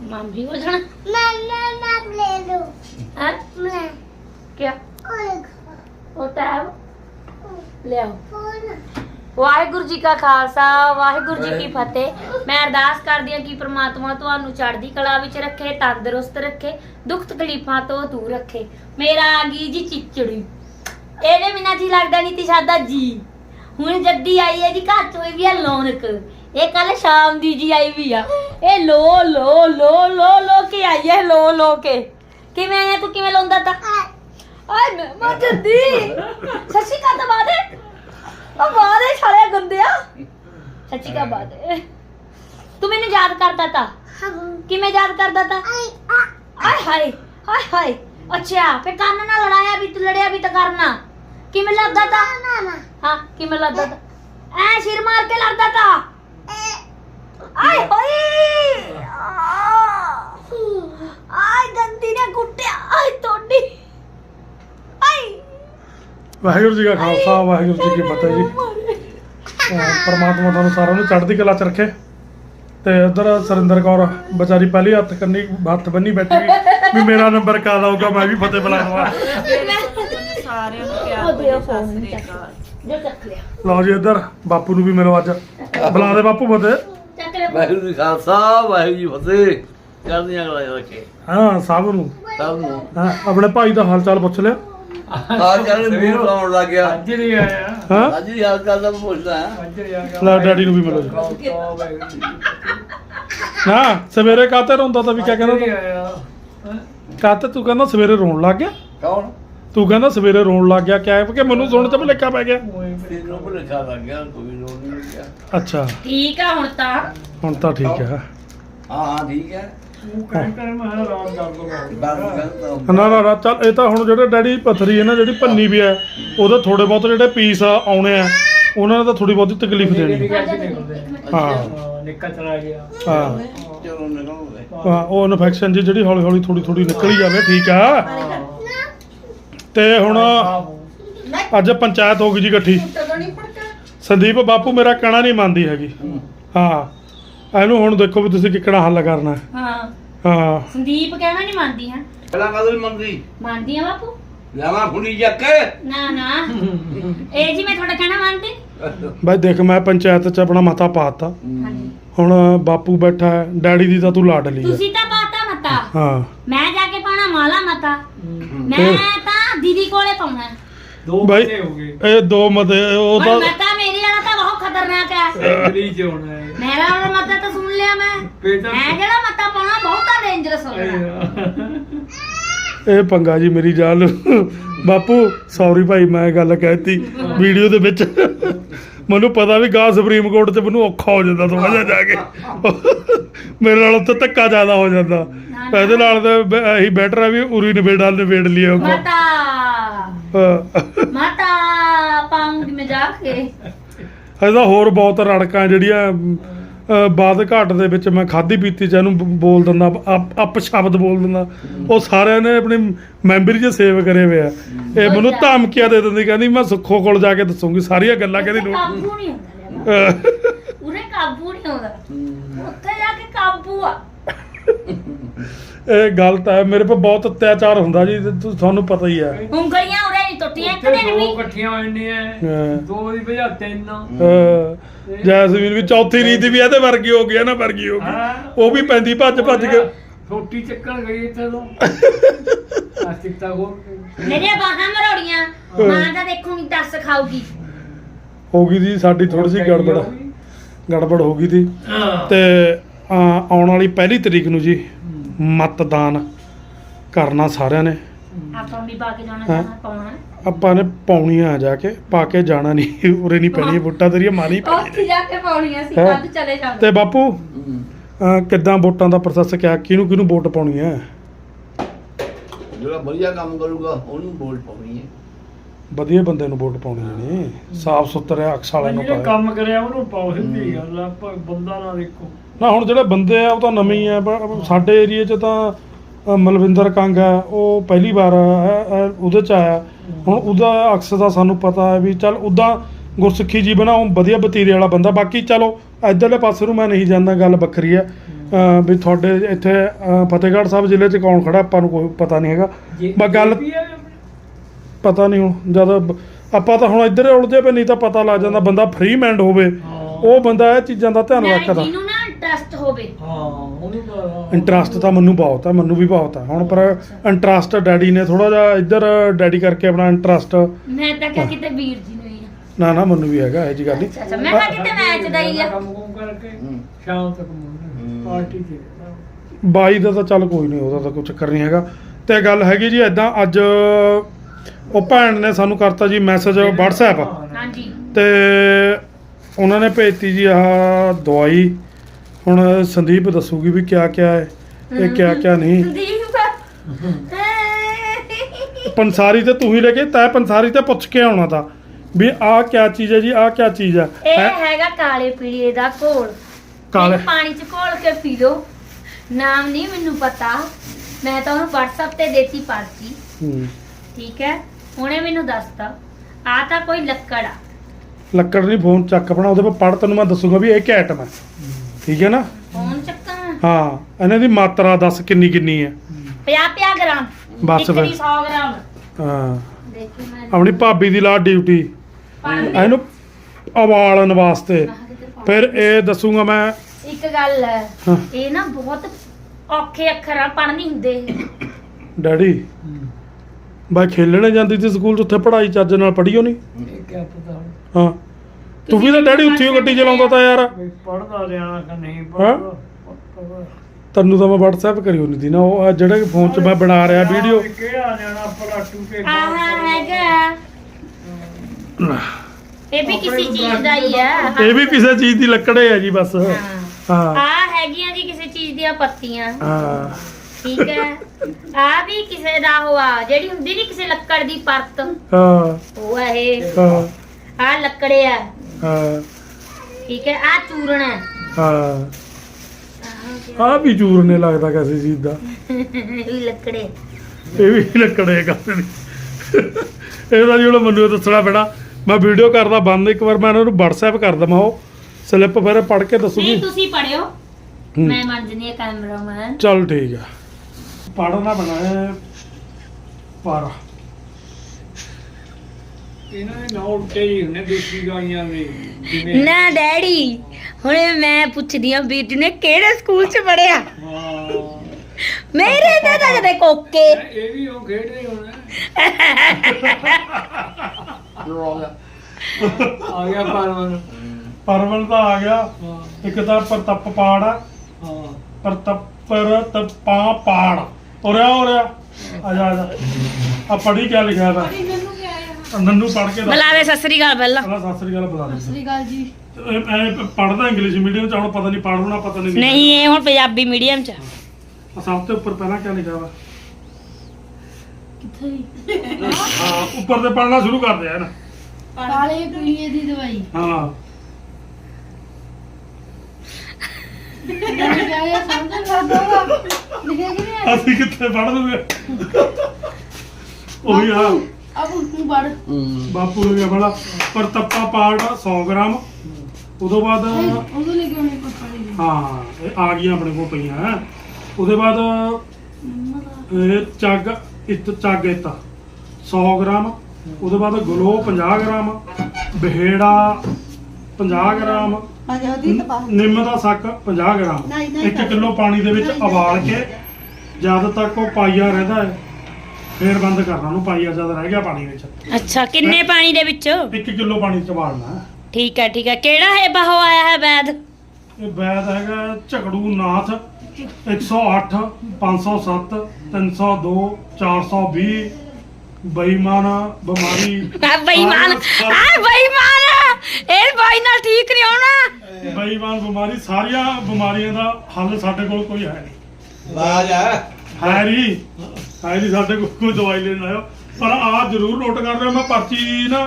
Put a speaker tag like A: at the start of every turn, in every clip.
A: मामी को जाना
B: मैं ले लो
A: है
B: मैं
A: क्या वो टैब ले आओ
B: फोन
A: ਵਾਹਿਗੁਰੂ ਜੀ ਕਾ ਖਾਲਸਾ ਵਾਹਿਗੁਰੂ ਜੀ ਕੀ ਫਤਿਹ। ਮੈਂ ਅਰਦਾਸ ਕਰਦੀ ਹਾਂ ਕਿ ਪ੍ਰਮਾਤਮਾ ਤੁਹਾਨੂੰ ਚੜ੍ਹਦੀ ਕਲਾ ਵਿੱਚ ਰੱਖੇ, ਤੰਦਰੁਸਤ ਰੱਖੇ, ਦੁੱਖ ਤਕਲੀਫਾਂ ਤੋਂ ਦੂਰ ਰੱਖੇ। ਮੇਰਾ ਆ ਗਈ ਜੀ ਚਿਚੜੀ, ਇਹਦੇ ਬਿਨਾਂ ਜੀ ਲੱਗਦਾ ਨਹੀਂ ਤੀ ਸਾਦਾ ਜੀ। ਹੁਣ ਜੱਦੀ ਆਈ ਹੈ ਜੀ, ਘਰ ਚ ਹੋਈ ਵੀ ਹੈ ਲੌਨਕ। ਇਹ ਕੱਲ ਸ਼ਾਮ ਦੀ ਜੀ ਆਈ ਵੀ ਆ। ਇਹ ਲੋ ਲੋ ਲੋ ਲੋ ਲੋ ਕੇ ਆਈ ਹੈ, ਲੋ ਲੋ ਕੇ। ਕਿਵੇਂ ਆਇਆ ਤੂੰ, ਕਿਵੇਂ ਲਾਉਂਦਾ ਤਾ? ਆਏ ਮੈਂ ਜੱਦੀ ਸੱਚੀ ਕਾ ਦਬਾ ਦੇ ਬਾਦੇ ਛਾਲੇ ਗੰਦਿਆ। ਸੱਚੀ ਕਾ ਬਾਤ ਹੈ, ਤੂੰ ਮੈਨੂੰ ਯਾਦ ਕਰਦਾ ਤਾ? ਕਿਵੇਂ ਯਾਦ ਕਰਦਾ ਤਾ? ਆਏ ਹਾਏ ਹਾਏ ਹਾਏ। ਅੱਛਾ ਫੇ ਕੰਨ ਨਾਲ ਲੜਾਇਆ ਵੀ, ਤੂੰ ਲੜਿਆ ਵੀ ਤਾਂ ਕਰਨਾ। ਕਿਵੇਂ ਲੜਦਾ ਤਾ? ਹਾਂ ਕਿਵੇਂ ਲੜਦਾ ਤਾ? ਐ ਸਿਰ ਮਾਰ ਕੇ ਲੜਦਾ ਤਾ। ਆਏ ਹੋਏ ਆਏ ਗੰਦੀ ਨੇ ਕੁੱਟਿਆ। ਆਏ ਤੋੜੀ ਆਏ।
C: ਵਾਹਿਗੁਰੂ ਜੀ ਕਾ ਖਾਲਸਾ ਵਾਹਿਗੁਰੂ ਜੀ ਕੀ ਫਤਿਹ ਜੀ। ਪਰਮਾਤਮਾ ਤੁਹਾਨੂੰ ਸਾਰਿਆਂ ਨੂੰ ਚੜ੍ਹਦੀ ਕਲਾ ਚ ਰੱਖੇ। ਤੇ ਉਧਰ ਸਰਿੰਦਰ ਕੌਰ ਵਿਚਾਰੀ ਪਹਿਲੀ ਹੱਥ ਬੰਨੀ ਬੈਠੀ ਵੀ ਮੇਰਾ ਨੰਬਰ ਕਾਹਦਾ ਹੋਊਗਾ, ਮੈਂ ਵੀ ਫਤਿਹ ਬੁਲਾ ਦਵਾਂ।
A: ਸਾਰਿਆਂ ਨੂੰ ਪਿਆਰ ਭਰੀ ਸਤਿ ਸ੍ਰੀ ਅਕਾਲ। ਜੋ ਚੱਕ ਲਿਆ
C: ਲਓ ਜੀ ਇੱਧਰ ਬਾਪੂ ਨੂੰ ਵੀ ਮਿਲੋ, ਅੱਜ ਬੁਲਾ ਦੇ ਬਾਪੂ ਫਤਿਹ।
A: ਚੱਕ ਲਿਆ
D: ਵਾਹਿਗੁਰੂ ਜੀ ਖਾਲਸਾ ਵਾਹਿਗੁਰੂ ਜੀ ਫਤਿਹ। ਕਰਦੀਆਂ ਗਲਾ ਰੱਖੇ
C: ਹਾਂ ਸਭ ਨੂੰ।
D: ਸਭ ਨੂੰ
C: ਹਾਂ ਆਪਣੇ ਭਾਈ ਦਾ ਹਾਲ ਚਾਲ ਪੁੱਛ ਲਿਆ।
D: ਆ ਚੱਲ ਮੂੰਹ ਲਾਉਣ ਲੱਗ ਗਿਆ।
E: ਅੱਜ ਨਹੀਂ ਆਇਆ
C: ਹਾਂ
D: ਅੱਜ ਯਾਦ ਕਰਦਾ ਪੁੱਛਦਾ ਹੈ।
E: ਅੱਜ ਨਹੀਂ ਆ
C: ਲੈ ਡੈਡੀ ਨੂੰ ਵੀ ਮਿਲੋ ਜੀ। ਨਾ ਸਵੇਰੇ ਕਾਤੇ ਰੋਂਦਾ ਤਾਂ ਵੀ ਕਿਆ ਕਹਿੰਦਾ
E: ਨਹੀਂ
C: ਤੂੰ?
E: ਆਇਆ
C: ਕਾਤੇ ਤੂੰ ਕਹਿੰਦਾ ਸਵੇਰੇ ਰੋਣ ਲੱਗ ਗਿਆ?
D: ਕੌਣ?
C: ਤੂੰ ਕਹਿੰਦਾ ਸਵੇਰੇ ਰੋਣ ਲੱਗ ਗਿਆ, ਕਿਆ ਹੈ ਕਿ ਮੈਨੂੰ ਸੁਣ ਚ ਭੁਲੇਖਾ ਪੈ ਗਿਆ?
D: ਤੈਨੂੰ ਭੁਲੇਖਾ ਲੱਗ ਗਿਆ, ਕੋਈ ਲੋੜ ਨਹੀਂ ਲੱਗਿਆ।
C: ਅੱਛਾ
A: ਠੀਕ ਆ ਹੁਣ ਤਾਂ।
C: ਹੁਣ ਤਾਂ ਠੀਕ ਹੈ।
D: ਹਾਂ ਠੀਕ ਹੈ।
E: ਤੂੰ ਕਹਿ ਮੈਂ ਆਰਾਮ ਕਰ
D: ਬਸ
E: ਲਵਾਂ।
D: ਕਹਿੰਦਾ
C: ਨਾ ਚੱਲ ਇਹ ਤਾਂ ਹੁਣ ਜਿਹੜੇ ਡੈਡੀ ਪਥਰੀ ਹੈ ਨਾ, ਜਿਹੜੀ ਭੰਨੀ ਵੀ ਹੈ, ਉਹਦੇ ਥੋੜੇ ਬਹੁਤ ਜਿਹੜੇ ਪੀਸ ਆਉਣੇ ਆ, ਉਹਨਾਂ ਨੇ ਤਾਂ ਥੋੜੀ ਬਹੁਤੀ ਤਕਲੀਫ ਦੇਣੀ। ਹਾਂ
E: ਨਿੱਕਾ ਚਲਾ ਗਿਆ।
C: ਹਾਂ
D: ਚਲੋ ਨਿਕਲੂਗੇ।
C: ਹਾਂ, ਉਹ ਇਨਫੈਕਸ਼ਨ ਜੀ ਜਿਹੜੀ ਹੌਲੀ ਹੌਲੀ ਥੋੜੀ ਨਿਕਲੀ ਜਾਵੇ, ਠੀਕ ਆ। ਤੇ ਹੁਣ ਅੱਜ ਪੰਚਾਇਤ ਹੋ ਗਈ ਜੀ ਇਕੱਠੀ। ਸੰਦੀਪ ਬਾਪੂ ਮੇਰਾ ਕਹਿਣਾ ਨਹੀਂ ਮੰਨਦੀ ਹੈਗੀ। ਹਾਂ ਇਹਨੂੰ ਹੁਣ ਦੇਖੋ ਵੀ ਤੁਸੀਂ ਕਿੱਕਣਾ ਹੱਲ ਕਰਨਾ।
A: ਹਾਂ
C: ਹਾਂ
A: ਸੰਦੀਪ ਕਹਿਣਾ ਨਹੀਂ ਮੰਨਦੀ ਹੈ।
D: ਪਹਿਲਾਂ ਕਦੋਂ ਮੰਨਦੀ
A: ਮੰਨਦੀ ਆ ਬਾਪੂ।
D: ਲਾਵਾ ਫੁੱਲੀ ਚੱਕ।
A: ਨਾ ਨਾ ਇਹ ਜੀ ਮੈਂ ਤੁਹਾਡਾ ਕਹਿਣਾ ਮੰਨਦੀ।
C: ਬਾਈ ਦੇਖ, ਮੈਂ ਪੰਚਾਇਤ 'ਚ ਆਪਣਾ ਮਤਾ ਪਾਤਾ।
A: ਹਾਂਜੀ
C: ਹੁਣ ਬਾਪੂ ਬੈਠਾ ਹੈ, ਡੈਡੀ ਦੀ ਤਾਂ ਤੂੰ ਲਾਡਲੀ ਹੈ।
A: ਤੁਸੀਂ ਤਾਂ ਪਾਤਾ ਮਤਾ,
C: ਹਾਂ
A: ਮੈਂ ਜਾ ਕੇ ਪਾਣਾ ਮਾਲਾ ਮਤਾ। ਮੈਂ ਤਾਂ ਦੀਦੀ ਕੋਲੇ ਪਾਉਣਾ।
E: ਦੋ
C: ਬਾਈ
E: ਮਹੀਨੇ ਹੋ ਗਏ।
C: ਇਹ ਦੋ ਮਤੇ ਉਹ
A: ਪਰ
C: ਤਾਂ
A: ਮਤਾ ਮੇਰੇ ਵਾਲਾ ਤਾਂ ਬਹੁਤ ਖਤਰਨਾਕ ਹੈ।
E: ਅਗਲੀ ਚ ਹੋਣਾ ਹੈ।
A: ਮੇਰਾ ਵਾਲਾ ਮਤਾ ਤਾਂ ਸੁਣ ਲਿਆ ਮੈਂ।
E: ਬੇਟਾ
A: ਮੈਂ ਜਿਹੜਾ ਮਤਾ ਪਾਉਣਾ ਬਹੁਤਾ ਡੇਂਜਰਸ ਹੋਣਾ।
C: ਇਹ ਪੰਗਾ ਜੀ ਮੇਰੀ ਜਾਨ। ਬਾਪੂ ਸੌਰੀ ਭਾਈ, ਮੈਂ ਗੱਲ ਕਹਿਤੀ ਵੀਡੀਓ ਦੇ ਵਿੱਚ। ਮੈਨੂੰ ਪਤਾ ਵੀ ਗਾ ਸੁਪਰੀਮ ਕੋਰਟ 'ਚ ਮੈਨੂੰ ਔਖਾ ਹੋ ਜਾਂਦਾ ਥੋੜਾ ਜਿਹਾ ਜਾ ਕੇ। ਮੇਰੇ ਨਾਲ ਉੱਥੇ ਧੱਕਾ ਜ਼ਿਆਦਾ ਹੋ ਜਾਂਦਾ। ਇਹਦੇ ਨਾਲ ਤਾਂ ਇਹੀ ਬੈਟਰ ਹੈ ਵੀ ਉਰੀ ਨਵੇੜ ਲਈਏ ਉਹ।
A: ਮਤਾ ਮਤਾ ਪਾਉਂਗੀ ਮੈਂ ਜਾ ਕੇ।
C: ਇਹਦਾ ਹੋਰ ਬਹੁਤ ਰੜਕਾਂ ਜਿਹੜੀਆਂ ਬਾਦ ਘਾਟ ਦੇ ਵਿੱਚ ਮੈਂ ਖਾਧੀ ਪੀਤੀ ਚ ਇਹਨੂੰ ਬੋਲ ਦਿੰਦਾ, ਅਪ ਸ਼ਬਦ ਬੋਲ ਦਿੰਦਾ। ਉਹ ਸਾਰਿਆਂ ਨੇ ਆਪਣੀ ਮੈਂਬਰੀ 'ਚ ਸੇਵ ਕਰੇ ਹੋਏ ਆ। ਇਹ ਮੈਨੂੰ ਧਮਕੀਆਂ ਦੇ ਦਿੰਦੀ, ਕਹਿੰਦੀ ਮੈਂ ਸੁੱਖੋ ਕੋਲ ਜਾ ਕੇ ਦੱਸੂਗੀ ਸਾਰੀਆਂ ਗੱਲਾਂ। ਕਹਿੰਦੀ
A: ਕਾਬੂ ਨਹੀਂ ਹੁੰਦਾ ਉਰੇ, ਕਾਬੂ ਨਹੀਂ ਹੁੰਦਾ। ਉੱਥੇ ਜਾ ਕੇ ਕਾਬੂ ਆ।
C: ਇਹ ਗਲਤ ਹੈ। ਮੇਰੇ 'ਤੇ ਬਹੁਤ ਅਤਿਆਚਾਰ ਹੁੰਦਾ ਜੀ, ਤੁਹਾਨੂੰ ਪਤਾ ਹੀ ਹੈ।
A: ਉਂਗਲੀਆਂ ਉਰੇ ਨਹੀਂ ਟੁੱਟੀਆਂ ਇੱਕ
E: ਉੱਥੇ
A: ਦਿਨ
E: ਦੋ
A: ਵੀ।
E: ਇਕੱਠੀਆਂ ਹੋ ਜਾਂਦੀਆਂ।
C: ਹਾਂ।
E: ਦੋ ਦੀ ਵਜ੍ਹਾ ਤਿੰਨ।
C: ਜੈਸਮੀਨ ਵੀ ਚੌਥੀ ਰੀਤ ਵੀ ਇਹਦੇ ਵਰਗੀ ਹੋ ਗਈ, ਨਾ ਵਰਗੀ ਹੋ ਗਈ। ਉਹ ਵੀ ਪੈਂਦੀ ਭੱਜ ਕੇ।
E: ਰੋਟੀ ਚੱਕਣ ਗਈ ਇੱਥੇ ਤੋਂ ਆਸਤਿਕਤਾ ਕੋਲ
A: ਮੇਰੀਆਂ ਬਾਹਾਂ ਮਰੋੜੀਆਂ। ਮਾਂ ਦਾ ਦੇਖੂਗੀ ਦੱਸ ਖਾਊਗੀ।
C: ਹੋ ਗਈ ਜੀ ਸਾਡੀ ਥੋੜੀ ਜਿਹੀ ਗੜਬੜ ਹੋ ਗਈ ਸੀ। ਤੇ ਆਉਣ ਵਾਲੀ 1 ਤਰੀਕ ਨੂੰ ਜੀ ਮਤਦਾਨ ਕਰਨਾ ਸਾਰਿਆਂ ਨੇ।
A: ਆਪਾਂ ਵੀ ਪਾ ਕੇ ਜਾਣਾ ਪਾਉਣਾ।
C: ਆਪਾਂ ਨੇ ਪਾਉਣੀਆਂ ਜਾ ਕੇ, ਪਾ ਕੇ ਜਾਣਾ ਨਹੀਂ। ਉਰੇ ਨਹੀਂ ਪੈਣੀ ਵੋਟਾਂ ਤੇਰੀਆਂ ਮਾਰੀ
A: ਉੱਥੇ ਜਾ ਕੇ ਪਾਉਣੀਆਂ ਸੀ।
C: ਹੈਂ?
A: ਕੱਲ ਚਲੇ ਜਾਂਦੇ।
C: ਤੇ ਬਾਪੂ ਕਿੱਦਾਂ ਵੋਟਾਂ ਦਾ ਪ੍ਰੋਸੈਸ, ਕਿਹਨੂੰ ਵੋਟ ਪਾਉਣੀ ਹੈ?
D: ਜਿਹੜਾ ਵਧੀਆ ਕੰਮ ਕਰੂਗਾ ਉਹਨੂੰ ਵੋਟ ਪਾਉਣੀ ਹੈ।
C: ਵਧੀਆ ਬੰਦੇ ਨੂੰ ਵੋਟ ਪਾਉਣੀ ਨੇ, ਸਾਫ ਸੁਥਰੇ ਅਕਸ ਵਾਲਿਆਂ ਨੂੰ
E: ਜਿਹਨੇ
C: ਪਾਓ।
E: ਕੰਮ ਕਰਿਆ ਉਹਨੂੰ ਪਾਓ, ਸਿੱਧੀ ਗੱਲ ਆ। ਆਪਾਂ ਬੰਦਾ ਨਾ ਦੇਖੋ।
C: ਨਾ ਹੁਣ ਜਿਹੜੇ ਬੰਦੇ ਆ ਉਹ ਤਾਂ ਨਵੇਂ ਹੀ ਆ। ਸਾਡੇ ਏਰੀਏ 'ਚ ਤਾਂ ਮਲਵਿੰਦਰ ਕੰਗ ਹੈ, ਉਹ ਪਹਿਲੀ ਵਾਰ ਉਹਦੇ 'ਚ ਆਇਆ। ਹੁਣ ਉਹਦਾ ਅਕਸ ਦਾ ਸਾਨੂੰ ਪਤਾ ਹੈ ਵੀ ਚੱਲ ਉੱਦਾਂ ਗੁਰਸਿੱਖੀ ਜੀਵਨ ਆ ਉਹ ਵਧੀਆ ਵਤੀਰੇ ਵਾਲਾ ਬੰਦਾ। ਬਾਕੀ ਚਲੋ ਇੱਧਰਲੇ ਪਾਸੇ ਨੂੰ ਮੈਂ ਨਹੀਂ ਜਾਂਦਾ, ਗੱਲ ਵੱਖਰੀ ਹੈ। ਵੀ ਤੁਹਾਡੇ ਇੱਥੇ ਫਤਿਹਗੜ੍ਹ ਸਾਹਿਬ ਜ਼ਿਲ੍ਹੇ 'ਚ ਕੌਣ ਖੜਾ ਆਪਾਂ ਨੂੰ ਕੋਈ ਪਤਾ ਨਹੀਂ ਹੈਗਾ। ਬਸ ਗੱਲ ਪਤਾ ਨਹੀਂ ਹੁਣ ਜਦ ਆਪਾਂ ਤਾਂ ਹੁਣ ਇੱਧਰ ਉਲਝੇ ਪਏ, ਨਹੀਂ ਤਾਂ ਪਤਾ ਲੱਗ ਜਾਂਦਾ। ਬੰਦਾ ਫ੍ਰੀ ਮਾਈਂਡ ਹੋਵੇ ਉਹ ਬੰਦਾ ਇਹ ਚੀਜ਼ਾਂ ਦਾ ਧਿਆਨ ਰੱਖਦਾ।
A: ਜਿਹਨੂੰ ਨਾ ਇੰਟਰਸਟ ਹੋਵੇ।
E: ਹਾਂ ਉਹਨੂੰ ਤਾਂ
C: ਇੰਟਰਸਟ ਤਾਂ ਮੈਨੂੰ ਬਹੁਤ ਆ, ਮੈਨੂੰ ਵੀ ਬਹੁਤ ਆ ਹੁਣ, ਪਰ ਇੰਟਰਸਟ ਡੈਡੀ ਨੇ ਥੋੜਾ ਜਿਹਾ ਇੱਧਰ ਡੈਡੀ ਕਰਕੇ ਆਪਣਾ ਇੰਟਰਸਟ।
A: ਮੈਂ ਤਾਂ ਕਿਹਾ ਕਿਤੇ ਵੀਰ ਜੀ ਨੂੰ ਹੀ ਆ।
C: ਨਾ ਨਾ ਮੈਨੂੰ ਵੀ ਹੈਗਾ ਇਹ ਜੀ ਗੱਲ ਨਹੀਂ।
A: ਅੱਛਾ ਮੈਂ ਕਿਹਾ ਕਿਤੇ ਮੈਚ ਦਾ ਹੀ ਆ।
E: ਕੰਮ ਕੁਮ ਕਰਕੇ ਸ਼ਾਮ ਤੱਕ ਮੁੜਨਾ ਪਾਰਟੀ ਤੇ।
C: ਬਾਈ ਦਾ ਤਾਂ ਚੱਲ ਕੋਈ ਨਹੀਂ, ਉਹਦਾ ਤਾਂ ਕੋਈ ਚੱਕਰ ਨਹੀਂ ਹੈਗਾ। ਤੇ ਗੱਲ ਹੈਗੀ ਜੀ ਐਦਾਂ, ਅੱਜ ਉਹ ਭੈਣ ਨੇ ਸਾਨੂੰ ਕਰਤਾ ਜੀ ਮੈਸੇਜ WhatsApp
A: ਹਾਂਜੀ
C: ਤੇ ਉਹਨਾਂ ਨੇ ਭੇਜਤੀ ਜੀ ਆਹ ਦਵਾਈ। ਹੁਣ ਸੰਦੀਪ ਦੱਸੂਗੀ ਵੀ ਕਿਆ ਕਿਆ ਹੈ ਇਹ ਕਿਆ ਕਿਆ ਨਹੀਂ। ਪੰਸਾਰੀ ਤੇ ਤੂੰ ਹੀ ਲੈ ਕੇ ਤੈ ਪੰਸਾਰੀ ਤੇ ਪੁੱਛ ਕੇ ਆਉਣਾ ਤਾਂ ਵੀ ਆਹ ਕਿਆ ਚੀਜ਼ ਹੈ ਜੀ, ਆਹ ਕਿਆ ਚੀਜ਼ ਹੈ।
A: ਇਹ ਹੈਗਾ ਕਾਲੇ ਪੀਲੇ ਦਾ ਘੋਲ।
C: ਕਾਲੇ
A: ਪਾਣੀ ਚ ਘੋਲ ਕੇ ਪੀ ਲਓ। ਨਾਮ ਨਹੀਂ ਮੈਨੂੰ ਪਤਾ, ਮੈਂ ਤਾਂ ਉਹਨੂੰ WhatsApp ਤੇ ਦੇਤੀ ਪਰਚੀ।
C: ਹੂੰ।
A: ਠੀਕ ਹੈ, ਉਹਨੇ ਮੈਨੂੰ ਦੱਸਤਾ ਆ ਤਾਂ ਕੋਈ ਲੱਕੜ ਆ।
C: ਲੱਕੜ ਨਹੀਂ, ਫੋਨ ਚੱਕ ਆਪਣਾ, ਉਹਦੇ ਪਰ ਪੜ੍ਹ, ਤੈਨੂੰ ਮੈਂ ਦੱਸੂਗਾ ਵੀ ਇਹ ਕੀ ਆਈਟਮ ਹੈ। ਠੀਕ ਹੈ ਨਾ?
A: ਫੋਨ ਚੱਕਾਂ
C: ਹਾਂ, ਇਹਨਾਂ ਦੀ ਮਾਤਰਾ ਦੱਸ ਕਿੰਨੀ ਕਿੰਨੀ ਹੈ।
A: 50 ਗ੍ਰਾਮ
C: ਬਸ
A: ਇੱਕ ਦੀ 100 ਗ੍ਰਾਮ।
C: ਹਾਂ,
A: ਦੇਖੀ ਮੈਂ
C: ਆਪਣੀ ਭਾਬੀ ਦੀ ਲਾ ਡਿਊਟੀ ਇਹਨੂੰ ਉਬਾਲਣ ਵਾਸਤੇ। ਫਿਰ ਇਹ ਦੱਸੂਗਾ ਮੈਂ।
A: ਇੱਕ ਗੱਲ ਹੈ,
C: ਹਾਂ।
A: ਇਹ ਨਾ ਬਹੁਤ ਔਖੇ ਅੱਖਰ ਆ, ਪੜ੍ਹ ਨਹੀਂ ਹੁੰਦੇ।
C: ਡੈਡੀ ਬਾਈ ਖੇਲਣੇ ਜਾਂਦੀ ਸੀ ਸਕੂਲ 'ਚ, ਉੱਥੇ ਪੜ੍ਹਾਈ ਚੱਜ ਨਾਲ ਪੜ੍ਹੀਓ ਨਹੀਂ।
E: ਇਹ ਕਿਆ ਪਤਾ ਹੁਣ
C: ਹਾਂ, ਤੂੰ ਵੀ ਤਾਂ ਡੈਡੀ ਉੱਥੇ ਹੀ ਗੱਡੀ ਚਲਾਉਂਦਾ ਤਾਂ ਯਾਰ।
E: ਪੜਦਾ ਰਿਹਾ ਕਿ ਨਹੀਂ
C: ਹਾਂ?
E: ਪੜਦਾ।
C: ਤੈਨੂੰ ਤਾਂ ਮੈਂ WhatsApp ਕਰੀ ਹੁੰਦੀ ਸੀ ਨਾ, ਉਹ ਜਿਹੜੇ ਫੋਨ 'ਚ ਮੈਂ ਬਣਾ ਰਿਹਾ ਵੀਡੀਓ।
E: ਕਿਹੜਾ ਨਿਆਣਾ ਪਲਾਟੂ ਕੇ
A: ਆਹ ਹੈਗਾ, ਇਹ ਵੀ ਕਿਸੇ ਚੀਜ਼ ਦਾ ਹੀ ਆ।
C: ਇਹ ਵੀ ਕਿਸੇ ਚੀਜ਼ ਦੀ ਲੱਕੜੇ ਹੈ ਜੀ ਬਸ।
A: ਹਾਂ।
C: ਹਾਂ
A: ਆ ਹੈਗੀਆਂ ਜੀ ਕਿਸੇ ਚੀਜ਼ ਦੀਆਂ ਪੱਤੀਆਂ।
C: ਹਾਂ
A: ਠੀਕ ਹੈ, ਆ ਵੀ ਕਿਸੇ ਦਾ ਹੋਆ, ਜਿਹੜੀ ਹੁੰਦੀ ਨਹੀਂ ਕਿਸੇ ਲੱਕੜ ਦੀ ਪਰਤ,
C: ਹਾਂ
A: ਉਹ ਹੈ ਇਹ।
C: ਹਾਂ
A: ਆ ਲੱਕੜੇ ਆ।
C: ਹਾਂ
A: ਠੀਕ ਹੈ, ਆ ਚੂਰਨ ਹੈ।
C: ਹਾਂ, ਆ ਵੀ ਚੂਰਨੇ ਲੱਗਦਾ ਕਿਸੇ ਚੀਜ਼ ਦਾ।
A: ਇਹ ਵੀ ਲੱਕੜੇ।
C: ਇਹ ਵੀ ਲੱਕੜੇ ਕਰਦੇ ਨੇ। ਇਹਦਾ ਜੀ ਹੁਣ ਮੈਨੂੰ ਦੱਸਣਾ ਪੈਣਾ। ਮੈਂ ਵੀਡੀਓ ਕਰਦਾ ਬੰਦ, ਇੱਕ ਵਾਰ ਮੈਂ ਇਹਨਾਂ ਨੂੰ WhatsApp ਕਰ ਦਵਾਂ ਉਹ ਸਲਿੱਪ, ਫਿਰ ਪੜ੍ਹ ਕੇ ਦੱਸੂਗੀ।
A: ਨਹੀਂ ਤੁਸੀਂ ਪੜਿਓ,
C: ਹੂੰ।
A: ਮੈਂ ਮੰਨ ਜਨੀ ਆ ਕੈਮਰਾਮੈਨ।
C: ਚੱਲ ਠੀਕ ਆ, ਪੜ੍ਹਨਾ ਪੈਣਾ ਪਰ
E: ਇਹਨਾਂ ਦੇ ਨਾਲ ਉੱਤੇ ਹੀ ਹੁੰਦੇ ਦੇਸੀ ਗਾਈਆਂ ਦੇ ਜਿਵੇਂ।
A: ਨਾ ਡੈਡੀ, ਹੁਣ ਮੈਂ ਪੁੱਛਦੀ ਆ ਵੀਰ ਜੀ ਨੇ ਕਿਹੜੇ ਸਕੂਲ 'ਚ ਪੜਿਆ।
E: ਹਾਂ
A: ਮੇਰੇ ਤੇ ਤਾਂ ਕਦੇ ਕੋਕੇ।
E: ਇਹ ਵੀ ਉਹ ਖੇਡਦੇ ਹੋਣੇ। ਆ ਗਿਆ ਪਰਵਨ।
C: ਪਰਵਲ ਤਾਂ ਆ ਗਿਆ।
E: ਹਾਂ
C: ਇੱਕ ਤਾਂ ਪ੍ਰਤਪ ਪਾੜ ਆ,
E: ਹਾਂ
C: ਪ੍ਰਤਪਾ ਪਾੜ। ਉਰਿਆ ਆ ਜਾ ਆ ਪੜ੍ਹੀ ਕਿਆ ਲਿਖਿਆ ਵਾ? ਨੰਨੂ ਪੜ੍ਹ ਕੇ ਦੱਸ।
A: ਬੁਲਾਵੇ ਸਤਿ ਸ੍ਰੀ ਅਕਾਲ ਪਹਿਲਾਂ।
C: ਪਹਿਲਾਂ ਸਤਿ ਸ੍ਰੀ ਅਕਾਲ ਬੁਲਾ ਦੇ।
B: ਸਤਿ ਸ੍ਰੀ ਅਕਾਲ ਜੀ।
C: ਪੜ੍ਹਦਾ ਇੰਗਲਿਸ਼ ਮੀਡੀਅਮ ਚ, ਹੁਣ ਪਤਾ ਨਹੀਂ ਪੜ੍ਹਨਾ ਪਤਾ ਨਹੀਂ।
A: ਨਹੀਂ, ਇਹ ਹੁਣ ਪੰਜਾਬੀ ਮੀਡੀਅਮ 'ਚ।
C: ਸਭ ਤੋਂ ਉੱਪਰ ਪਹਿਲਾਂ ਕਿਆ ਲਿਖਿਆ ਵਾ?
B: ਕਿੱਥੇ?
C: ਹਾਂ, ਉੱਪਰ ਤੇ ਪੜ੍ਹਨਾ ਸ਼ੁਰੂ ਕਰਦੇ ਆ ਨਾ।
B: ਕਾਲੇ ਪੀਲੀਏ ਦੀ ਦਵਾਈ।
C: ਹਾਂ,
B: ਮੈਨੂੰ ਕਿਹਾ ਇਹ ਸਮਝ ਲੱਗਦਾ ਲਿਖਿਆ ਕਿ ਨਹੀਂ?
C: ਅਸੀਂ ਕਿੱਥੇ ਪੜ੍ਹ ਦੂਗੇ। ਉਹੀ ਆ
B: ਅਬ ਤੂੰ ਪੜ।
C: ਬਾਪੂ ਨੇ ਕਿਹਾ ਬੜਾ ਪ੍ਰਤਪਾ ਪਾੜ 100 ਗ੍ਰਾਮ। ਉਦੋਂ ਬਾਅਦ
B: ਉਹਦੋਂ ਲਿਖਿਆ ਨਹੀਂ ਪਤਾ ਨਹੀਂ।
C: ਹਾਂ, ਇਹ ਆ ਗਈਆਂ ਆਪਣੇ ਕੋਲ ਪਈਆਂ ਹੈ। ਉਹਦੇ ਬਾਅਦ ਇਹ ਚੱਗ 100 ਗ੍ਰਾਮ। ਉਹਦੇ ਬਾਅਦ ਗਲੋ 50 ਗ੍ਰਾਮ, ਬਹੇੜਾ 50 ਗ੍ਰਾਮ, ਨਿੰਮ ਦਾ ਸੱਕ 50 ਗ੍ਰਾਮ। 1 ਕਿਲੋ ਪਾਣੀ ਦੇ ਵਿੱਚ ਉਬਾਲ ਕੇ ਜਦ ਤੱਕ ਉਹ ਪਾਈਆ ਰਹਿੰਦਾ ਹੈ ਫੇਰ ਬੰਦ ਕਰਨਾ ਉਹਨੂੰ। ਪਾਈਆ ਜਦ ਰਹਿ ਗਿਆ ਪਾਣੀ ਵਿੱਚ,
A: ਅੱਛਾ, ਕਿੰਨੇ ਪਾਣੀ ਦੇ ਵਿੱਚ?
C: 1 ਕਿਲੋ ਪਾਣੀ ਚ ਉਬਾਲਣਾ ਹੈ।
A: ਠੀਕ ਹੈ ਠੀਕ ਹੈ। ਕਿਹੜਾ ਹੈ ਬਾਹੋ ਆਇਆ ਹੈ ਵੈਦ?
C: ਇਹ ਵੈਦ ਹੈਗਾ ਝਗੜੂ ਨਾਥ 108 507 302 420। ਬੇਈਮਾਨ ਬਿਮਾਰੀ।
A: ਆ ਬੇਈਮਾਨ, ਆ ਬੇਈਮਾਨ, ਇਹ ਬਾਈ ਨਾਲ ਠੀਕ ਨਹੀਂ ਹੋਣਾ।
C: ਬੇਈਮਾਨ ਬਿਮਾਰੀ, ਸਾਰੀਆਂ ਬਿਮਾਰੀਆਂ ਦਾ ਹੱਲ ਸਾਡੇ ਕੋਲ ਕੋਈ ਹੈ ਨਹੀਂ।
D: ਇਲਾਜ ਹੈ
C: ਹੈ ਨਹੀਂ ਸਾਡੇ ਕੋਲ ਕੋਈ ਦਵਾਈ ਲੈਣ ਆਇਓ। ਪਰ ਆਹ ਜ਼ਰੂਰ ਨੋਟ ਕਰ ਲਿਓ, ਮੈਂ ਪਰਚੀ ਨਾ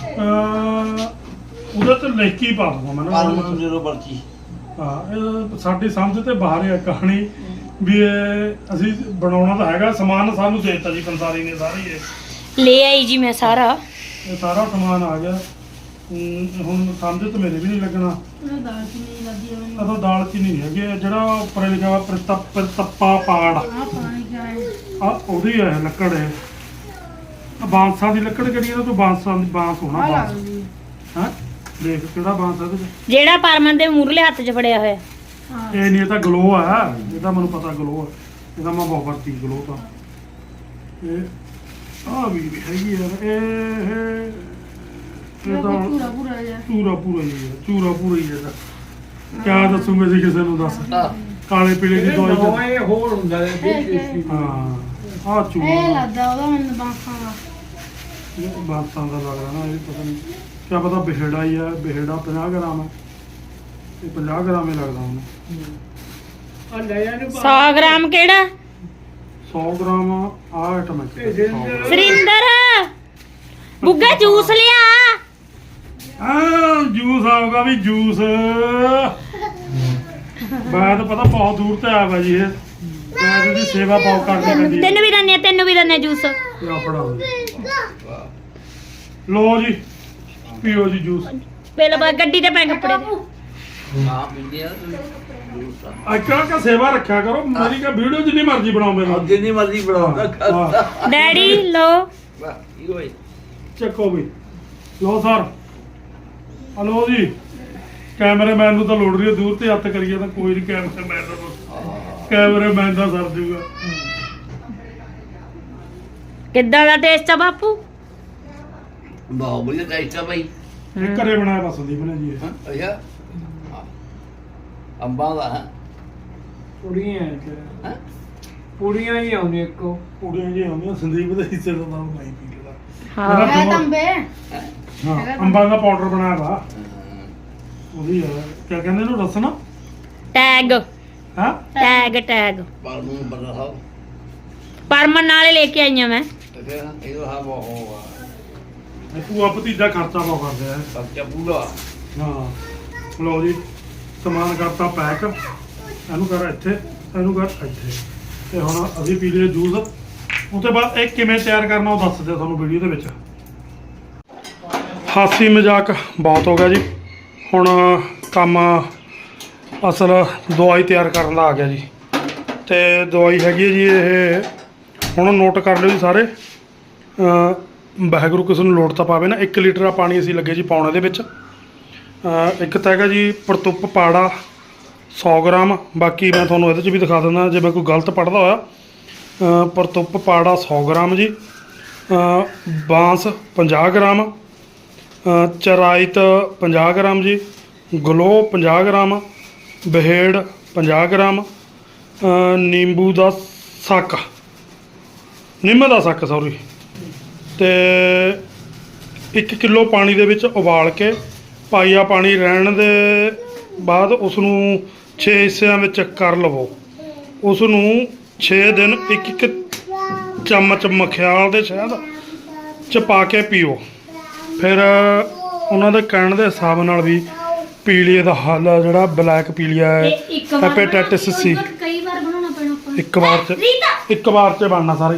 C: ਉਹਦੇ ਤੇ ਲਿਖ ਕੇ ਹੀ ਪਾ ਦੂੰਗਾ ਮੈਂ ਨਾ।
D: ਪਰਮ ਜ਼ੀਰੋ ਪਰਚੀ।
C: ਹਾਂ, ਇਹ ਸਾਡੀ ਸਮਝ ਤੇ ਬਾਹਰ ਹੈ ਕਹਾਣੀ ਵੀ ਇਹ ਅਸੀਂ ਬਣਾਉਣਾ ਤਾਂ ਹੈਗਾ। ਸਮਾਨ ਸਾਨੂੰ ਦੇ ਦਿੱਤਾ ਜੀ ਪੰਸਾਰੀ ਨੇ ਸਾਰੀ।
A: ਲੈ ਆਈ ਜੀ ਮੈਂ ਸਾਰਾ।
C: ਇਹ ਸਾਰਾ ਸਮਾਨ ਆ ਗਿਆ। ਹੁਣ ਸਮਝ ਤਾਂ ਮੇਰੇ ਵੀ ਨਹੀਂ ਲੱਗਣਾ।
B: ਉਹ ਦਾਲ ਚੀਨੀ ਲੱਗੀ ਹੋਣੀ
C: ਅਦੋਂ ਦਾਲ ਚੀਨੀ ਨਹੀਂ ਹੈਗੀ, ਜਿਹੜਾ ਉੱਪਰ ਲਿਖਿਆ ਵਾ ਪ੍ਰਤੱਪਾ ਪਾੜ,
B: ਆ ਪਾਣੀ ਕਿਆ ਹੈ
C: ਆ ਉਹਦੀ ਹੈ ਲੱਕੜ ਹੈ। ਆ ਬਾਂਸਾਂ ਦੀ ਲੱਕੜ ਕਿਹੜੀ ਹੈ? ਤੂੰ ਬਾਂਸਾਂ ਦੀ ਬਾਂਸ ਹੋਣਾ
B: ਆ
C: ਬਾਂਸ।
B: ਲੱਗਦੀ
C: ਹਾਂ ਦੇਖ ਕਿਹੜਾ ਬਾਂਸ ਹੈ ਇਹਦੇ 'ਚ।
A: ਜਿਹੜਾ ਪਰਮਨ ਦੇ ਮੂਰਲੇ ਹੱਥ 'ਚ ਫੜਿਆ ਹੋਇਆ।
B: ਹਾਂ
C: ਇਹ ਨਹੀਂ, ਇਹ ਤਾਂ ਗਲੋ ਆ, ਇਹਦਾ ਮੈਨੂੰ ਪਤਾ ਗਲੋ ਆ, ਇਹਦਾ ਮੈਂ ਬਹੁਤ ਵਰਤੀ ਗਲੋ ਤਾਂ। ਇਹ ਆ ਵੀ ਹੈਗੀ ਯਾਰ, ਇਹ ਤਾਂ
B: ਪੂਰਾ ਪੂਰਾ ਜਿਹਾ
C: ਚੂਰਾ ਪੂਰਾ ਹੀ ਹੈ, ਚੂਰਾ ਪੂਰਾ ਹੀ ਹੈ। ਕਿਆ ਦੱਸੂਗੇ ਜੀ ਕਿਸੇ ਨੂੰ? ਦੱਸ ਕਾਲੇ ਪੀਲੇ ਦੀ ਦਵਾਈ ਤਾਂ-
E: ਦਵਾਈ ਹੋਰ ਹੁੰਦਾ ਹੈ ਦੇਸੀ।
C: ਹਾਂ ਆ
B: ਇਹ
C: ਚੂਰਾ
B: ਲੱਗਦਾ ਉਹਦਾ ਮੈਨੂੰ ਬਾਂਸਾਂ ਦਾ
C: ਬਾਤਾਂ ਦਾ ਲੱਗ ਰਿਹਾ ਨਾ, ਇਹ ਪਤਾ ਨਹੀਂ ਕਿਆ ਪਤਾ ਬਿਹੜਾ ਹੀ ਆ। ਬਿਹੜਾ 50 ਗ੍ਰਾਮ ਹੈ, ਇਹ 50 ਗ੍ਰਾਮ ਹੀ ਲੱਗਦਾ ਹੁਣ।
E: ਆ ਲੈ ਜਾਣੇ
A: 100 ਗ੍ਰਾਮ ਕਿਹੜਾ?
C: 100 ਗ੍ਰਾਮ ਆ ਆਈਟਮ ਹੈ।
E: ਇਹ ਜਿੰਦਰ-
A: ਸਰਿੰਦਰ ਬੁੱਗਾ ਜੂਸ ਲਿਆ।
C: ਹਾਂ ਜੂਸ ਆਊਗਾ ਵੀ ਜੂਸ। ਮੈਂ ਤਾਂ ਪਤਾ ਬਹੁਤ ਦੂਰ ਤੇ ਆਇਆ ਵਾ ਜੀ ਇਹ। ਮੈਂ ਇਹਦੀ ਸੇਵਾ ਬਹੁਤ ਕਰਨੀ ਪੈਂਦੀ ਹੈ।
A: ਤੈਨੂੰ ਵੀ ਦੰਨੇ ਜੂਸ।
C: ਇਹ ਆਪਣਾ ਲੋ ਜੀ, ਪੀਓ ਜੀ ਜੂਸ।
A: ਪਹਿਲਾਂ ਬਾਅਦ ਗੱਡੀ ਤੇ ਪੈ ਕੱਪੜੇ ਦੇ।
D: ਹਾਂ ਪੀਂਦੇ ਆ ਜੂਸ ਆ।
C: ਅੱਛਾ ਕਾ ਸੇਵਾ ਰੱਖਿਆ ਕਰੋ ਮੇਰੀ। ਕਾ ਵੀਡੀਓ ਜਿੰਨੀ ਮਰਜ਼ੀ ਬਣਾਓ ਮੇਰੇ ਨਾਲ।
D: ਜਿੰਨੀ ਮਰਜ਼ੀ ਬਣਾਉਂਦਾ
C: ਹਾਂ,
A: ਡੈਡੀ ਲੋ।
D: ਵਾਹ ਇਹ ਹੋਏ
C: ਚੱਕੋ ਵੀ ਲੋ ਸਰ। ਹਲੋ ਜੀ, ਕੈਮਰਾਮੈਨ ਨੂੰ ਤਾਂ ਲੋੜ ਰਹੀ ਹੈ, ਦੂਰ ਤੇ ਹੱਥ ਕਰੀਏ ਤਾਂ ਕੋਈ ਨਹੀਂ। ਕੈਮਰਾਮੈਨ ਦਾ ਸਰ ਜੂਗਾ।
A: ਕਿੱਦਾਂ ਦਾ ਟੇਸਟ ਆ ਬਾਪੂ?
D: ਬਹੁਤ ਵਧੀਆ ਟੇਸਟ ਆ ਭਾਈ।
C: ਇਹ ਘਰੇ ਬਣਾਇਆ ਬਸ ਸੰਦੀਪ ਨੇ ਜੀ ਇਹ।
D: ਹਾਂ ਅੱਛਾ ਹਾਂ। ਅੰਬਾਂ ਦਾ ਹੈ
E: ਪੁੜੀਆਂ
D: ਹਾਂ।
E: ਪੁੜੀਆਂ ਹੀ ਆਉਂਦੀਆਂ ਇੱਕੋ।
C: ਕੁੜੀਆਂ ਜੀ ਆਉਂਦੀਆਂ ਸੰਦੀਪ ਦੇ ਹਿੱਸੇ ਦਾ ਨਾਮ ਨਹੀਂ ਪੀ ਲੈਦਾ।
A: ਹਾਂ
B: ਹੈ ਤੰਬੇ
C: ਹਾਂ ਅੰਬਾਂ ਦਾ ਪਾਊਡਰ ਬਣਾਇਆ ਵਾ ਉਹਦੀ ਹੈ। ਕਿਆ ਕਹਿੰਦੇ ਇਹਨੂੰ ਰਸਨ?
A: ਟੈਗ
C: ਹਾਂ
A: ਟੈਗ
D: ਪਰ ਨੂੰ ਬਣਾ ਹੋ
A: ਪਰਮਨ ਨਾਲੇ ਲੈ ਕੇ ਆਈਆਂ ਮੈਂ।
D: ਤੇ ਫਿਰ ਇਹ ਤਾਂ ਹਾਂ ਬਹੁਤ ਆ
C: ਇਹ ਭੂਆ ਭਤੀਜਾ ਖਰਚਾ ਬਹੁਤ ਕਰਦੇ ਆ।
D: ਬੱਚਾ ਪੂਰਾ
C: ਹਾਂ ਲਓ ਜੀ, ਸਮਾਨ ਕਰਤਾ ਪੈਕ। ਇਹਨੂੰ ਕਰ ਇੱਥੇ, ਇਹਨੂੰ ਕਰ ਇੱਥੇ। ਤੇ ਹੁਣ ਅਸੀਂ ਪੀ ਲਏ ਜੂਸ। ਉਸ ਤੋਂ ਬਾਅਦ ਇਹ ਕਿਵੇਂ ਤਿਆਰ ਕਰਨਾ ਉਹ ਦੱਸਦੇ ਤੁਹਾਨੂੰ ਵੀਡੀਓ ਦੇ ਵਿੱਚ। ਹਾਸੀ ਮਜ਼ਾਕ ਬਹੁਤ ਹੋ ਗਿਆ ਜੀ। ਹੁਣ ਕੰਮ ਅਸਲ ਦਵਾਈ ਤਿਆਰ ਕਰਨ ਦਾ ਆ ਗਿਆ ਜੀ। ਤੇ ਦਵਾਈ ਹੈਗੀ ਹੈ ਜੀ ਇਹ, ਹੁਣ ਨੋਟ ਕਰ ਲਿਓ ਜੀ ਸਾਰੇ। ਵਾਹਿਗੁਰੂ ਕਿਸੇ ਨੂੰ ਲੋੜ ਤਾਂ ਪਾਵੇ ਨਾ। 1 ਲੀਟਰ ਪਾਣੀ ਅਸੀਂ ਲੱਗੇ ਜੀ ਪਾਉਣ ਇਹਦੇ ਵਿੱਚ। ਇੱਕ ਤਾਂ ਹੈਗਾ ਜੀ ਪ੍ਰਤੁੱਪ ਪਾੜਾ 100 ਗ੍ਰਾਮ। ਬਾਕੀ ਮੈਂ ਤੁਹਾਨੂੰ ਇਹਦੇ 'ਚ ਵੀ ਦਿਖਾ ਦਿੰਦਾ ਜੇ ਮੈਂ ਕੋਈ ਗਲਤ ਪੜ੍ਹਦਾ ਹੋਇਆ। ਪ੍ਰਤੁੱਪ ਪਾੜਾ 100 ਗ੍ਰਾਮ ਜੀ। ਬਾਂਸ 50 ਗ੍ਰਾਮ। ਚਰਾਇਤ 50 ਗ੍ਰਾਮ ਜੀ। ਗਲੋ 50 ਗ੍ਰਾਮ। ਬਹੇੜ 50 ਗ੍ਰਾਮ। ਨਿੰਬੂ ਦਾ ਸੱਕ, ਨਿੰਮ ਦਾ ਸੱਕ ਸੌਰੀ। ਤੇ 1 ਕਿਲੋ ਪਾਣੀ ਦੇ ਵਿੱਚ ਉਬਾਲ ਕੇ ਪਾਈਆ ਪਾਣੀ ਰਹਿਣ ਦੇ ਬਾਅਦ ਉਸ ਨੂੰ 6 ਹਿੱਸਿਆਂ ਵਿੱਚ ਕਰ ਲਵੋ। ਉਸ ਨੂੰ 6 ਦਿਨ 1 ਚਮਚ ਮਖਿਆਲ ਦੇ ਸ਼ਹਿਦ ਚ ਪਾ ਕੇ ਪੀਓ। ਫਿਰ ਉਹਨਾਂ ਦੇ ਕਹਿਣ ਦੇ ਹਿਸਾਬ ਨਾਲ ਵੀ ਪੀਲੀਏ ਦਾ ਹੱਲ ਆ, ਜਿਹੜਾ ਬਲੈਕ ਪੀਲੀਆ ਹੈ, ਹੈਪੇਟਾਈਟਿਸ ਸੀ।
A: ਕਈ ਵਾਰ ਬਣਾਉਣਾ ਪੈਣਾ ਆਪਾਂ ਨੂੰ।
C: ਇੱਕ ਵਾਰ ਚ ਬਣਨਾ ਸਾਰੇ।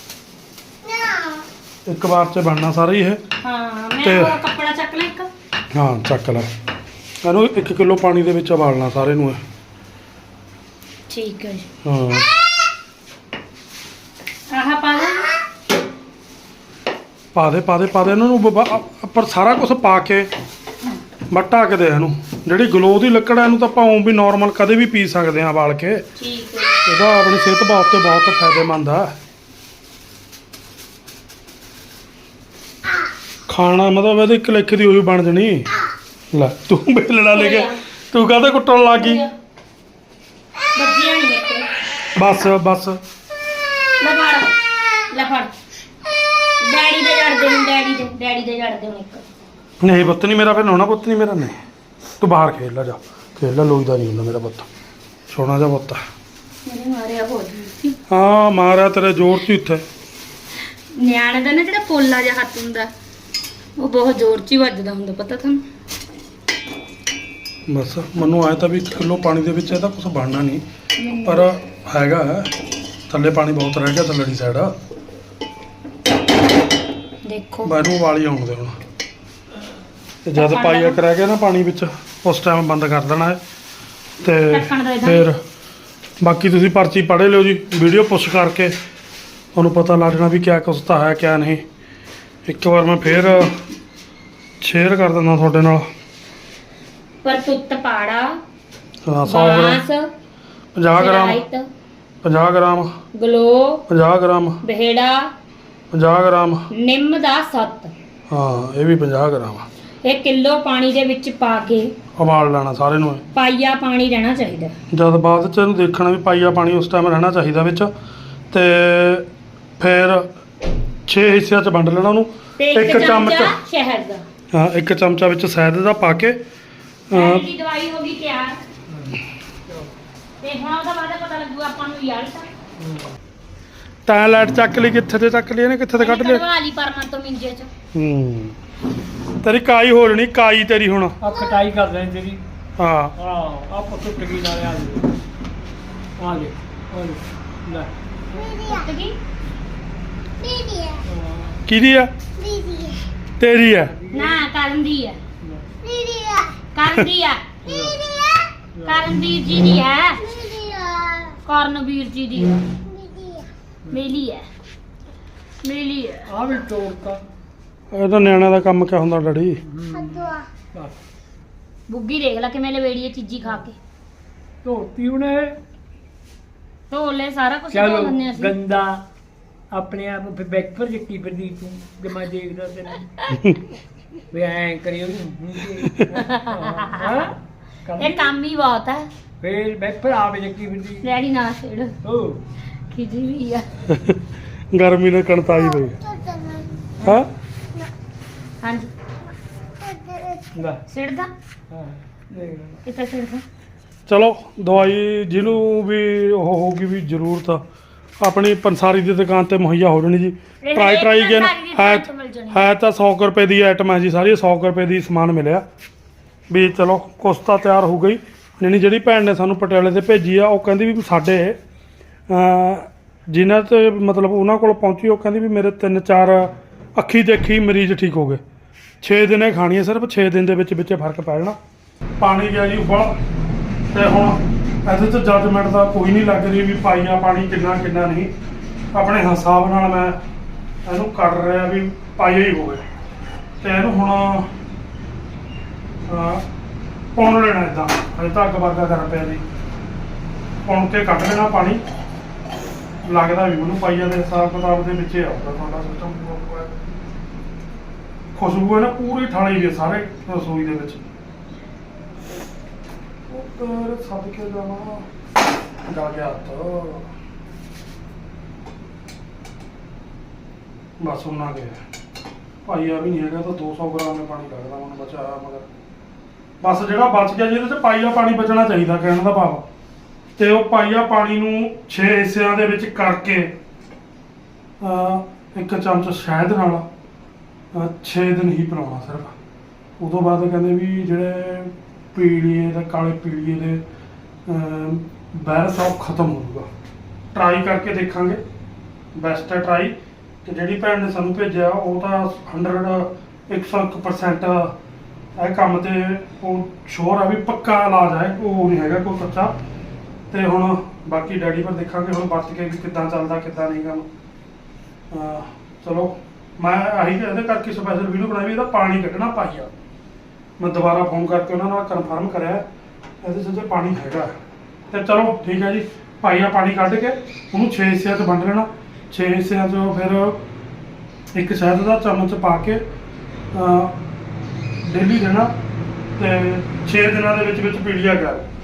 C: ਇੱਕ ਵਾਰ ਚ ਬਣਨਾ ਸਾਰੇ ਇਹ।
A: ਹਾਂ ਮੈਂ
C: ਤੇ-
A: ਉਹ ਕੱਪੜਾ ਚੱਕ ਲੈ ਇੱਕ।
C: ਹਾਂ ਚੱਕ ਲੈ ਇਹਨੂੰ। 1 ਕਿਲੋ ਪਾਣੀ ਦੇ ਵਿੱਚ ਉਬਾਲਣਾ ਸਾਰੇ ਨੂੰ ਇਹ।
A: ਠੀਕ ਹੈ ਜੀ।
C: ਹਾਂ
A: ਆਹ ਪਾ ਦੇ।
C: ਪਾ ਦੇ ਇਹਨਾਂ ਨੂੰ ਪਰ ਸਾਰਾ ਕੁਝ ਪਾ ਕੇ ਬੱਟਾ ਕੇ ਦੇ ਇਹਨੂੰ। ਜਿਹੜੀ ਗਲੋ ਦੀ ਲੱਕੜ ਹੈ ਇਹਨੂੰ ਤਾਂ ਆਪਾਂ ਉਂ ਵੀ ਨਾਰਮਲ ਕਦੇ ਵੀ ਪੀ ਸਕਦੇ ਹਾਂ ਉਬਾਲ ਕੇ।
A: ਠੀਕ ਹੈ।
C: ਇਹਦਾ ਆਪਣੀ ਸਿਹਤ ਵਾਸਤੇ ਬਹੁਤ ਫਾਇਦੇਮੰਦ ਆ। ਖਾਣਾ ਮਤਲਬ ਇਹਦੇ 1 ਲੇਖ ਦੀ ਉਹੀ ਬਣ ਜਣੀ। ਲੈ ਤੂੰ ਬੇਲਣਾ ਲੈ ਕੇ ਤੂੰ ਕਾਹਦੇ ਕੁੱਟਣ ਲੱਗ ਗਈ?
A: ਬੱਜੀਆਂ ਨਹੀਂ ਮੇਰੇ
C: ਬਸ
A: ਲੈ ਫੜ ਡੈਡੀ ਦੇ ਜੜਦੇ ਨੂੰ ਡੈਡੀ ਦੇ ਜੜਦੇ ਨੂੰ ਇੱਕ।
C: ਨਹੀਂ ਪੁੱਤ ਨਹੀਂ ਮੇਰਾ। ਫਿਰ ਨਹਾਉਣਾ ਪੁੱਤ ਨਹੀਂ ਮੇਰਾ। ਨਹੀਂ ਤੂੰ ਬਾਹਰ ਖੇਡ ਲੈ, ਜਾ ਖੇਡ ਲੈ। ਲੋਈਦਾ ਨਹੀਂ ਹੁੰਦਾ ਮੇਰਾ ਪੁੱਤ, ਸੋਹਣਾ ਜਿਹਾ ਪੁੱਤ।
A: ਮੇਰੇ ਮਾਰਿਆ ਹੋ ਜੀ।
C: ਹਾਂ ਮਾਰਿਆ ਤੇਰੇ ਜ਼ੋਰ 'ਚ ਇੱਥੇ।
A: ਨਿਆਣੇ ਦਾ ਨਾ ਜਿਹੜਾ ਪੋਲਾ ਜਿਹਾ ਹੱਥ ਹੁੰਦਾ ਉਹ ਬਹੁਤ ਜ਼ੋਰ 'ਚ ਹੀ ਵੱਜਦਾ ਹੁੰਦਾ, ਪਤਾ ਤੁਹਾਨੂੰ?
C: ਬਸ ਮੈਨੂੰ ਆਇਆ ਤਾਂ ਵੀ 1 ਕਿਲੋ ਪਾਣੀ ਦੇ ਵਿੱਚ ਇਹਦਾ ਕੁਝ ਬਣਨਾ ਨਹੀਂ, ਪਰ ਹੈਗਾ ਥੱਲੇ ਪਾਣੀ ਬਹੁਤ ਰਹਿ ਗਿਆ ਥੱਲੜੀ ਸਾਈਡ।
A: ਦੇਖੋ
C: ਬਾਹਰੋਂ ਵਾਲੀ ਆਉਣ ਦੇ ਹੁਣ। ਤੇ ਜਦ ਪਾਈਆ ਰਹਿ ਗਿਆ ਨਾ ਪਾਣੀ ਵਿੱਚ ਉਸ ਟਾਈਮ ਬੰਦ ਕਰ ਦੇਣਾ ਹੈ ਤੇ
A: ਢੱਕਣ ਦੇ ਦਾਂ।
C: ਫਿਰ ਬਾਕੀ ਤੁਸੀਂ ਪਰਚੀ ਪੜ੍ਹ ਲਿਓ ਜੀ, ਵੀਡੀਓ ਪੁਸ਼ ਕਰਕੇ ਤੁਹਾਨੂੰ ਪਤਾ ਲੱਗ ਜਾਣਾ ਵੀ ਕਿਆ ਕੁਛ ਤਾਂ ਹੈ ਕਿਆ ਨਹੀਂ। ਇੱਕ ਵਾਰ ਮੈਂ ਫੇਰ ਸ਼ੇਅਰ ਕਰ ਦਿੰਦਾ ਤੁਹਾਡੇ ਨਾਲ।
A: ਪਰ ਤੁੱਤ ਪਾੜਾ
C: 100 ਗ੍ਰਾਮ, 50 ਗ੍ਰਾਮ, 50 ਗ੍ਰਾਮ,
A: ਗਲੋ
C: 50 ਗ੍ਰਾਮ,
A: ਬਹਿੜਾ
C: 50 ਗ੍ਰਾਮ,
A: ਨਿੰਮ ਦਾ ਸੱਤ,
C: ਹਾਂ ਇਹ ਵੀ 50 ਗ੍ਰਾਮ।
A: ਇਹ ਕਿਲੋ ਪਾਣੀ ਦੇ ਵਿੱਚ ਪਾ ਕੇ
C: ਉਬਾਲ ਲੈਣਾ ਸਾਰੇ ਨੂੰ।
A: ਪਾਈਆ ਪਾਣੀ ਰਹਿਣਾ ਚਾਹੀਦਾ।
C: ਜਦ ਬਾਅਦ ਚ ਇਹਨੂੰ ਦੇਖਣਾ ਵੀ ਪਾਈਆ ਪਾਣੀ ਉਸ ਟਾਈਮ ਰਹਿਣਾ ਚਾਹੀਦਾ ਵਿੱਚ, ਤੇ ਫਿਰ 6 ਹਿੱਸਿਆਂ ਚ ਵੰਡ ਲੈਣਾ ਉਹਨੂੰ।
A: ਤੇ
C: ਇੱਕ ਚਮਚਾ
A: ਸ਼ਹਿਦ ਦਾ,
C: ਹਾਂ, ਇੱਕ ਚਮਚਾ ਵਿੱਚ ਸ਼ਹਿਦ ਦਾ ਪਾ ਕੇ
A: ਸ਼ਹਿਦ ਦੀ ਦਵਾਈ ਹੋ ਗਈ ਤਿਆਰ। ਤੇ ਹੁਣ ਉਹਦਾ ਬਾਅਦ ਪਤਾ ਲੱਗੂ ਆਪਾਂ ਨੂੰ ਯਾਰ
C: ਤਾਂ ਲਾਈਟ ਚੱਕ ਲਈ, ਕਿੱਥੇ ਤੇ ਚੱਕ ਲਈ ਇਹਨੇ, ਕਿੱਥੇ ਤੇ ਕੱਢ ਲਿਆ।
A: ਕਢਵਾ ਲਈ ਪਰਮਨ ਤੋਂ ਮਿੰਜੇ ਚ।
C: ਤੇਰੀ ਕਾਈ ਹੋ ਜਣੀ, ਕਾਈ ਤੇਰੀ ਹੁਣ।
E: ਆ ਕਟਾਈ ਕਰ ਰਹੇ ਤੇਰੀ।
C: ਹਾਂ
E: ਆ ਪੱਤੂ ਟਕੀ ਨਾਲ ਆ ਲੈ ਲੈ
A: ਟੁੱਟ ਗਈ।
C: ਕਿਹਦੀ ਆ? ਤੇਰੀ ਆ।
A: ਨਾ ਕਰਨ ਦੀ ਆ, ਕਰਨ ਦੀ ਆ, ਕਰਨਵੀਰ ਜੀ ਦੀ ਹੈ, ਕਰਨਵੀਰ ਜੀ ਦੀ ਹੈ, ਮੇਲੀ ਹੈ, ਮੇਲੀ ਹੈ।
E: ਆ ਵੀ ਤੋੜਤਾ।
C: ਇਹ ਤਾਂ ਨਿਆਣਿਆਂ ਦਾ ਕੰਮ ਕਿਆ ਹੁੰਦਾ ਡੈਡੀ।
E: ਬਸ
A: ਬੁੱਗੀ ਦੇਖ ਲੈ ਕਿਵੇਂ ਲਵੇੜੀ ਚੀਜ਼ੀ ਖਾ ਕੇ।
E: ਧੋਤੀ ਉਹਨੇ।
A: ਧੋ ਲੈ ਸਾਰਾ ਕੁਝ ਧੋ
E: ਚਲੋ
A: ਲੈਂਦੇ ਅਸੀਂ।
E: ਗੰਦਾ ਆਪਣੇ ਆਪ ਨੂੰ ਫਿਰ ਬੈਕ ਪਰ ਜੱਕੀ ਫਿਰਦੀ ਤੂੰ ਜੇ ਮੈਂ ਦੇਖਦਾ ਤੈਨੂੰ ਵੀ ਐਂ ਕਰੀ ਉਹਨੂੰ ਹਾਂ
A: ਇਹ ਕੰਮ ਹੀ ਬਹੁਤ ਹੈ।
E: ਫਿਰ ਬੈਕ ਪਰ ਆਵੇ ਜੱਕੀ ਫਿਰਦੀ
A: ਡੈਡੀ ਨਾ ਛੇੜ,
E: ਓ
A: ਖਿਜੀ ਵੀ ਆ।
C: ਗਰਮੀ ਨੇ ਕਣਤਾਈ ਪਈ। ਹਾਂ
A: ਹਾਂਜੀ
E: ਲੈ
A: ਛੇੜਦਾ
E: ਹਾਂ ਦੇਖ ਲੈ
A: ਕਿੱਥੇ ਛੇੜਦਾ।
C: ਚਲੋ ਦਵਾਈ ਜਿਹਨੂੰ ਵੀ ਉਹ ਹੋਊਗੀ ਵੀ ਜ਼ਰੂਰਤ ਆਪਣੀ ਪੰਸਾਰੀ ਦੀ ਦੁਕਾਨ ਤੇ ਮੁਹੱਈਆ ਹੋ ਜਾਣੀ ਜੀ।
A: ਇਹ
C: ਟਰਾਈ
A: ਪੰਸਾਰੀ ਦੀ
C: ਹੈ
A: ਦੁਕਾਨ ਤੋਂ ਮਿਲ ਜਾਣੀ।
C: ਹੈ ਤਾਂ 100 ਕੁ ਰੁਪਏ ਦੀ ਆਈਟਮ ਹੈ ਜੀ, ਸਾਰੀ 100 ਕੁ ਰੁਪਏ ਦੀ ਸਮਾਨ ਮਿਲਿਆ ਵੀ ਚਲੋ ਕੁਛ ਤਾਂ ਤਿਆਰ ਹੋ ਗਈ। ਨਹੀਂ ਜਿਹੜੀ ਭੈਣ ਨੇ ਸਾਨੂੰ ਪਟਿਆਲੇ ਤੇ ਭੇਜੀ ਆ ਉਹ ਕਹਿੰਦੀ ਵੀ ਸਾਡੇ ਜਿਨ੍ਹਾਂ ਤੇ ਮਤਲਬ ਉਹਨਾਂ ਕੋਲ ਪਹੁੰਚੀ ਉਹ ਕਹਿੰਦੀ ਵੀ ਮੇਰੇ 3-4 ਅੱਖੀ ਦੇਖੀ ਮਰੀਜ਼ ਠੀਕ ਹੋ ਗਏ। 6 ਦਿਨੇ ਖਾਣੀ ਹੈ ਸਿਰਫ, 6 ਦਿਨ ਦੇ ਵਿੱਚ ਫਰਕ ਪੈ ਜਾਣਾ। ਪਾਣੀ ਗਿਆ ਜੀ ਉਬਲ, ਤੇ ਹੁਣ ਇਹਦੇ 'ਚ ਜੱਜਮੈਂਟ ਦਾ ਕੋਈ ਨਹੀਂ ਲੱਗ ਰਹੀ ਵੀ ਪਾਈਆ ਪਾਣੀ ਕਿੰਨਾ ਨਹੀਂ। ਆਪਣੇ ਹਿਸਾਬ ਨਾਲ ਮੈਂ ਇਹਨੂੰ ਕਰ ਰਿਹਾ ਵੀ ਪਾਈਆ ਹੀ ਹੋਵੇ। ਤੇ ਇਹਨੂੰ ਹੁਣ ਪੁਣ ਲੈਣਾ ਇੱਦਾਂ, ਅਜੇ ਤਾਂ ਅੱਗ ਵਰਗਾ ਕਰ ਪਿਆ ਜੀ। ਪੁਣ ਕੇ ਕੱਢ ਲੈਣਾ ਪਾਣੀ। ਲੱਗਦਾ ਵੀ ਮੈਨੂੰ ਪਾਈਆ ਦੇ ਹਿਸਾਬ ਕਿਤਾਬ ਦੇ ਵਿੱਚ ਹੀ ਆਊਗਾ ਤੁਹਾਡਾ ਸਿਸਟਮ। ਖੁਸ਼ਬੂ ਹੈ ਨਾ ਪੂਰੀ ਥਾਲੀ ਦੀ ਸਾਰੇ ਰਸੋਈ ਦੇ ਵਿੱਚ। ਉੱਪਰ ਸੱਦ ਕੇ ਜਾਵਾਂ ਜਾ ਗਿਆ ਤਾਂ ਬਸ ਉਹਨਾਂ ਗਿਆ। ਪਾਈਆ ਵੀ ਨਹੀਂ ਹੈਗਾ ਤਾਂ 200 ਗ੍ਰਾਮ ਦੇ ਪਾਣੀ ਲੱਗਦਾ ਮੈਨੂੰ ਬਚਾਇਆ, ਮਗਰ ਬਸ ਜਿਹੜਾ ਬਚ ਗਿਆ ਜਿਹਦੇ 'ਚ ਪਾਈਆ ਪਾਣੀ ਬਚਣਾ ਚਾਹੀਦਾ ਕਹਿਣ ਦਾ ਭਾਵ। ਤੇ ਉਹ ਪਾਈਆ ਪਾਣੀ ਨੂੰ 6 ਹਿੱਸਿਆਂ ਦੇ ਵਿੱਚ ਕਰਕੇ ਇੱਕ ਚਮਚ ਸ਼ਹਿਦ ਨਾਲ 6 ਦਿਨ ਹੀ ਪਿਲਾਉਣਾ ਸਿਰਫ। ਉਦੋਂ ਬਾਅਦ ਕਹਿੰਦੇ ਵੀ ਜਿਹੜੇ ਪੀਲੀਏ ਦਾ ਕਾਲੇ ਪੀਲੀਏ ਦੇ ਵਾਇਰਸ ਆ ਉਹ ਖਤਮ ਹੋ ਜਾਊਗਾ। ਟਰਾਈ ਕਰਕੇ ਦੇਖਾਂਗੇ, ਬੈਸਟ ਹੈ ਟਰਾਈ। ਤੇ ਜਿਹੜੀ ਭੈਣ ਨੇ ਸਾਨੂੰ ਭੇਜਿਆ ਉਹ ਤਾਂ 101% ਇਹ ਕੰਮ ਤੇ ਉਹ ਸ਼ੋਰ ਆ ਵੀ ਪੱਕਾ ਇਲਾਜ ਹੈ, ਉਹ ਨਹੀਂ ਹੈਗਾ ਕੋਈ ਕੱਚਾ। ਤੇ ਹੁਣ ਬਾਕੀ ਡੈਡੀ ਪਰ ਦੇਖਾਂਗੇ ਹੁਣ ਵਰਤ ਕੇ ਵੀ ਕਿੱਦਾਂ ਚੱਲਦਾ ਕਿੱਦਾਂ ਨਹੀਂ ਕੰਮ। ਚਲੋ ਮੈਂ ਆਹੀ ਇਹਦੇ ਕਰਕੇ ਸਪੈਸ਼ਲ ਵੀਡੀਓ ਬਣਾਈ ਵੀ ਇਹਦਾ ਪਾਣੀ ਕੱਢਣਾ ਪਾਈਆ। ਮੈਂ ਦੁਬਾਰਾ ਫੋਨ ਕਰਕੇ ਉਹਨਾਂ ਨਾਲ ਕਨਫਰਮ ਕਰਿਆ ਇਹਦੇ 'ਚ ਜੇ ਪਾਣੀ ਹੈਗਾ। ਤੇ ਚਲੋ ਠੀਕ ਹੈ ਜੀ, ਪਾਈਆ ਪਾਣੀ ਕੱਢ ਕੇ ਉਹਨੂੰ 6 ਹਿੱਸਿਆਂ 'ਚ ਵੰਡ ਲੈਣਾ। 6 ਹਿੱਸਿਆਂ 'ਚੋਂ ਫਿਰ ਇੱਕ ਸ਼ਹਿਦ ਦਾ ਚਮਚ ਪਾ ਕੇ ਡੇਲੀ ਦੇਣਾ। ਤੇ 6 ਦਿਨਾਂ ਦੇ ਵਿੱਚ ਪੀਲੀਆ ਕਰ